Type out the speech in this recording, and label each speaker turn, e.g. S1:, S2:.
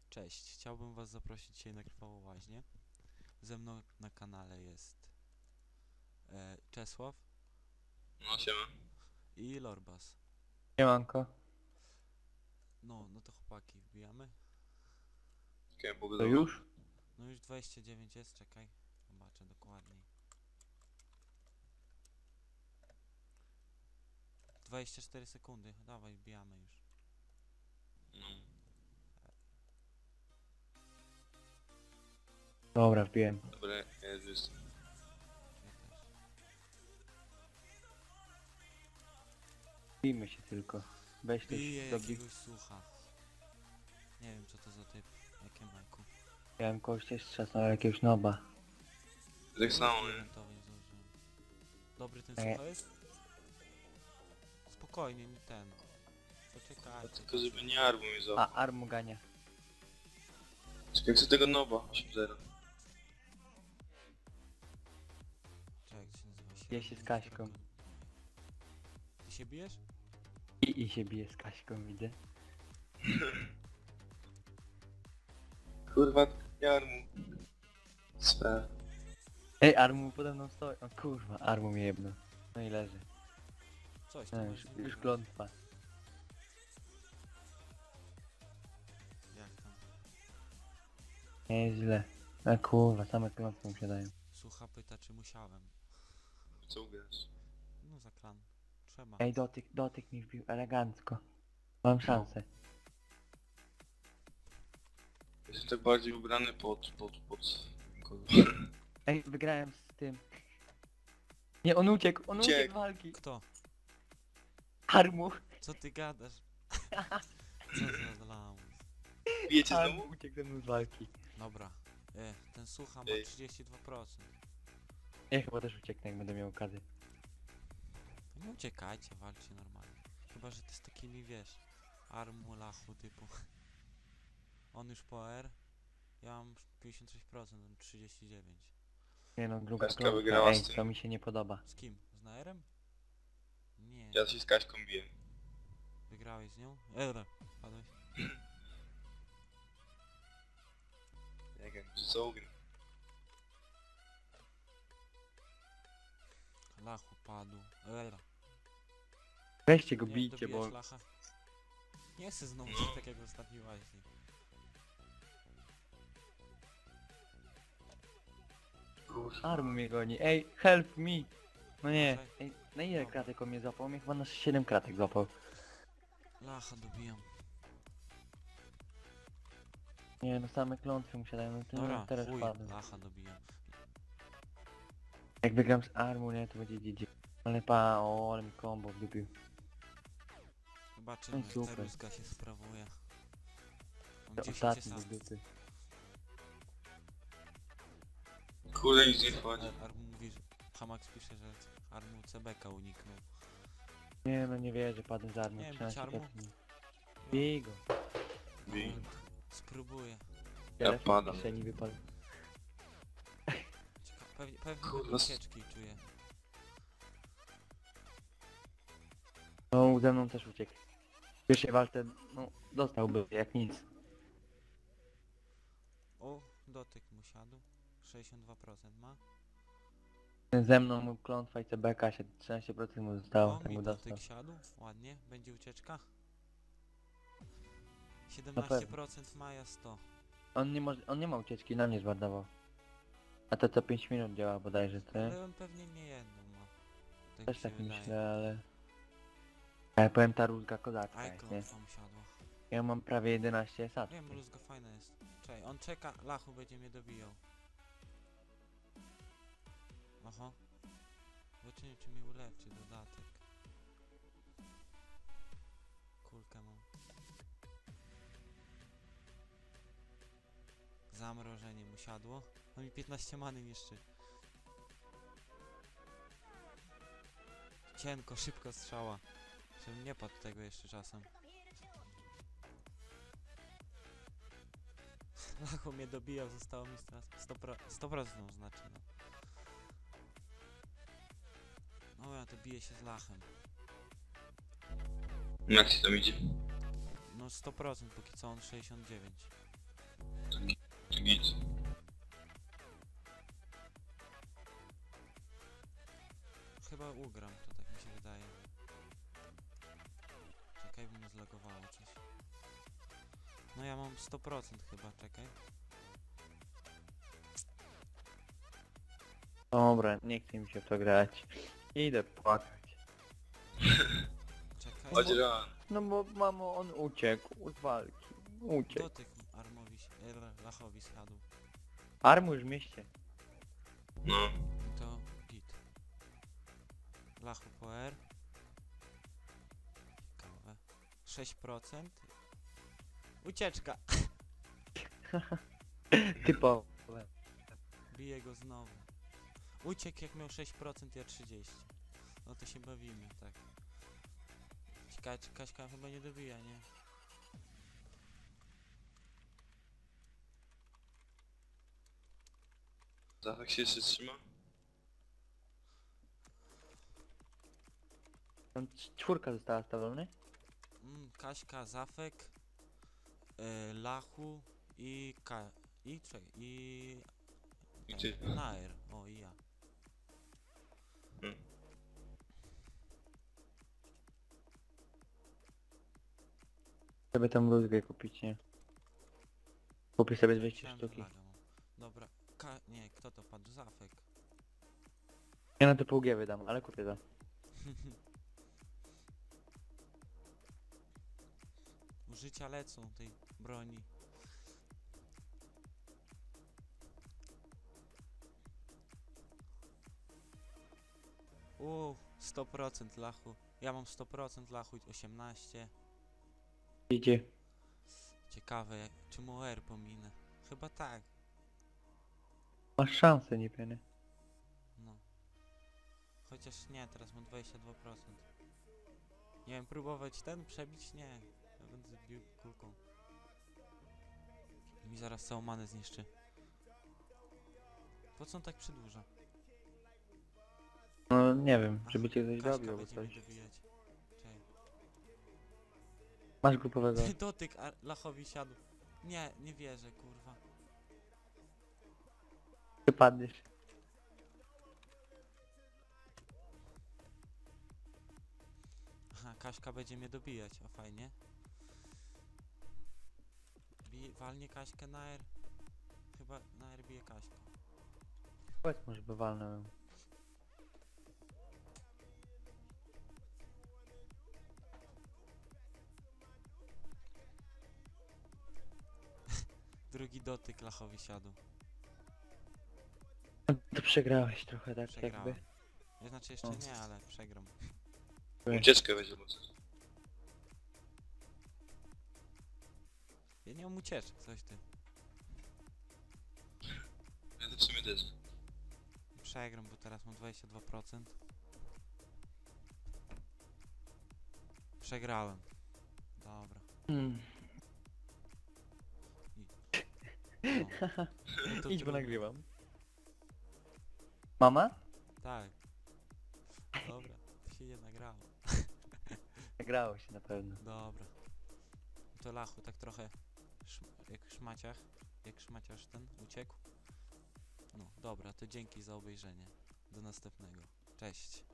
S1: Cześć, chciałbym was zaprosić dzisiaj na Krwawą Łaźnię. Ze mną na kanale jest Czesław
S2: No siema.
S1: i Lorbas.
S3: Siemanko.
S1: No to chłopaki, wbijamy.
S2: Okej,
S3: To
S2: pogodowo.
S3: już?
S1: No już 29 jest, czekaj, zobaczę dokładniej. 24 sekundy, dawaj, wbijamy już.
S2: No.
S3: Dobra, wbiłem.
S2: Dobra, ja już jestem.
S1: Ja też.
S3: Bijmy się tylko. Weź też
S1: Bije
S3: dobij.
S1: jakiegoś sucha. Nie wiem co to za typ, jakie majku.
S3: Miałem kogoś też strzasnął, ale jakiegoś noba.
S2: Tak samo, nie?
S1: Eventowy nie zdążyłem. Dobry ten
S3: Nie.
S1: sucha jest? Spokojnie, nie ten. Poczekajcie.
S2: Tylko żeby nie armu mi
S3: A,
S2: złapał.
S3: Armu gania.
S2: Czekaj, chcę tego noba. 8-0.
S1: Czekaj, jak się nazywa się?
S3: Bije się z Kaśką.
S1: Ty się bijesz?
S3: I się bije z Kaśką, widzę.
S2: Kurwa, nie armu. Spraw.
S3: Ej, Armu pode mną stoi. O kurwa, Armu mnie jebno. No i leży.
S1: Coś
S3: No,
S1: tam
S3: już klątwa.
S1: Jak tam?
S3: Nieźle. A kurwa, same klątwy mu się dają.
S1: Sucha pyta czy musiałem.
S2: Co ugrasz?
S1: No za klan. Trzeba.
S3: Ej, dotyk mi wbił elegancko. Mam szansę.
S2: Jestem tak bardziej ubrany pod kogo.
S3: Ej, wygrałem z tym. Nie, on uciekł
S2: Uciekł.
S3: z walki.
S1: Kto?
S3: Armu.
S1: Co ty gadasz? Co za lamus.
S2: Bijecie
S3: Armu
S2: znowu?
S3: uciekł ze mną z walki.
S1: Dobra. Ten sucha ma
S2: Ej.
S1: 32%.
S3: Ja chyba też ucieknę, jak będę miał okazję.
S1: Nie uciekajcie, walczcie normalnie. Chyba, że ty z takimi wiesz. Armu, lachu typu. On już po R. Ja mam 56%, on 39%.
S3: Nie no, druga
S2: Kaśka
S3: klątwa.
S2: wygrała
S3: Ej,
S2: z tym.
S3: to mi się nie podoba.
S1: Z kim? Z Naerem? Nie.
S2: Ja się z Kaśką biję.
S1: Wygrałeś z nią? Dobra, padłeś.
S2: Nie wiem, czy co ugram.
S1: Lachu padł. Dobra.
S3: Weźcie go,
S1: Nie,
S3: bijcie, bo...
S1: dobijesz lacha? Nie chcę znowu coś tak jak w ostatniej łaźni.
S3: Armu mnie goni. Ej, help me! No nie.
S1: Czekaj.
S3: Ej, na ile kratek on mnie złapał? On mnie chyba na 7 kratek złapał.
S1: Lacha dobijam.
S3: Nie no, same klątwy mu się dają, no to
S1: Dobra,
S3: teraz
S1: chuj,
S3: padłem.
S1: lacha dobijam.
S3: Jak wygram z Armu, nie, to będzie GG. Ale ale mi combo wdupił.
S1: Zobaczymy
S3: No
S1: jak ta
S3: super.
S1: rózga się sprawuje. Mam
S3: To
S1: 10
S3: ostatni
S1: asast.
S3: z dupy.
S2: Kurde, nic nie wchodzi.
S1: Armu mówi, że... Hamax pisze, że Armu CBK uniknął.
S3: Nie no, nie wierzę, padłem z Armu.
S1: Nie wiem,
S3: 13
S1: Armu?
S3: kratek. Bij go.
S2: Bij.
S1: Spróbuję.
S3: Telefon
S2: padam.
S3: w kieszeni wypadł.
S1: Pewnie
S2: Kurwa,
S1: będą ucieczki czuję.
S3: No, ze mną też uciekł. W pierwszej walce, no, dostałby jak nic.
S1: O, dotyk mu siadł. 62% ma.
S3: Ze mną mu klątwa i CBK się 13% mu zostało,
S1: O,
S3: tak
S1: mi
S3: mu dostał.
S1: dotyk siadł. Ładnie. Będzie ucieczka. 17% Maja 100.
S3: On nie ma ucieczki, na mnie zwardował. A to co 5 minut działa bodajże, to nie?
S1: Ale on pewnie nie jedną ma. Tak
S3: Też
S1: mi się
S3: tak
S1: wydaje.
S3: myślę, ale... Ale powiem, ta rózga kozacka jest, nie?
S1: Icon mu siadło.
S3: Ja mam prawie 11 sat.
S1: Wiem, luzga fajna jest. Czekaj, on czeka, lachu będzie mnie dobijał. Oho. Zobaczymy czy mi ulepszy dodatek. Kulkę mam. Zamrożenie mu siadło. On mi 15 many niszczy. Cienko, szybko strzała. Żebym nie padł tego jeszcze czasem. Lachu mnie dobijał, zostało mi teraz 100% znaczy no. No ja to biję się z lachem.
S2: Jak ci tam idzie?
S1: No 100% póki co on 69.
S2: Git.
S1: Chyba ugram, to tak mi się wydaje. Czekaj, bo mnie zlagowało coś. No ja mam 100% chyba, czekaj.
S3: Dobra, nie chce mi się w to grać. Idę płakać.
S1: Czekaj.
S2: Chodź ran.
S3: No bo mamo, on uciekł z walki. Uciekł.
S1: Dotyk Armowi, Lachowi schadł.
S3: Armu już w mieście.
S2: No.
S1: To git. Lachu po R. Ciekawe. 6%. Ucieczka!
S3: Typowe.
S1: Bije go znowu. Uciekł jak miał 6%, ja 30%. No to się bawimy, tak. Ciekawe, czy Kaśka chyba nie dobija, nie?
S2: Zachak się jeszcze trzyma?
S3: Tam czwórka została stawiona.
S1: Kaśka, Zafek, Lachu i
S2: I ty.
S1: Nair. O, i ja.
S3: Sobie tam bluzgę kupić, nie? Kupię sobie 200
S1: Myślałem, że
S3: sztuki.
S1: laga mam. Dobra, nie, kto to padł? Zafek.
S3: Ja na to pół G wydam, ale kupię to.
S1: Użycia lecą tej broni. Uuu, 100% Lachu. Ja mam 100% Lachu, 18.
S3: Idzie.
S1: Ciekawe, czy mu R pominę. Chyba tak,
S3: Masz szansę, nie pieny.
S1: no. Chociaż nie, teraz mam 22%. Nie wiem, próbować ten przebić? Nie. Ja będę bił kulką. Mi zaraz całą manę zniszczy. Po co on tak przedłuża?
S3: No nie wiem, żeby cię coś
S1: Kaśka
S3: zrobił albo
S1: będzie
S3: coś.
S1: mnie dobijać. Czekaj.
S3: Masz grupowego.
S1: Dotyk Lachowi siadł. Nie, nie wierzę, kurwa.
S3: Ty padniesz.
S1: Aha, Kaśka będzie mnie dobijać, o fajnie. Walnie Kaśkę na R. Chyba na R bije Kaśkę.
S3: Powiedz może by walnąłem.
S1: Drugi dotyk Lachowi siadł.
S3: To przegrałeś trochę tak
S1: Przegrałem.
S3: jakby.
S1: Ja znaczy jeszcze
S3: O.
S1: nie, ale przegram.
S2: Ucieczkę będzie bo coś.
S1: Ja nie mam ucieczek, coś ty.
S2: Ja to w sumie też.
S1: Przegram, bo teraz mam 22%. Przegrałem. Dobra. No to
S3: Idź, bo
S1: trudno.
S3: nagrywam. Mama?
S1: Tak. Dobra, to się nie nagrało.
S3: Nagrało się na pewno.
S1: Dobra. To Lachu tak trochę jak szmaciach. Jak szmaciarz ten uciekł. No dobra, to dzięki za obejrzenie. Do następnego. Cześć.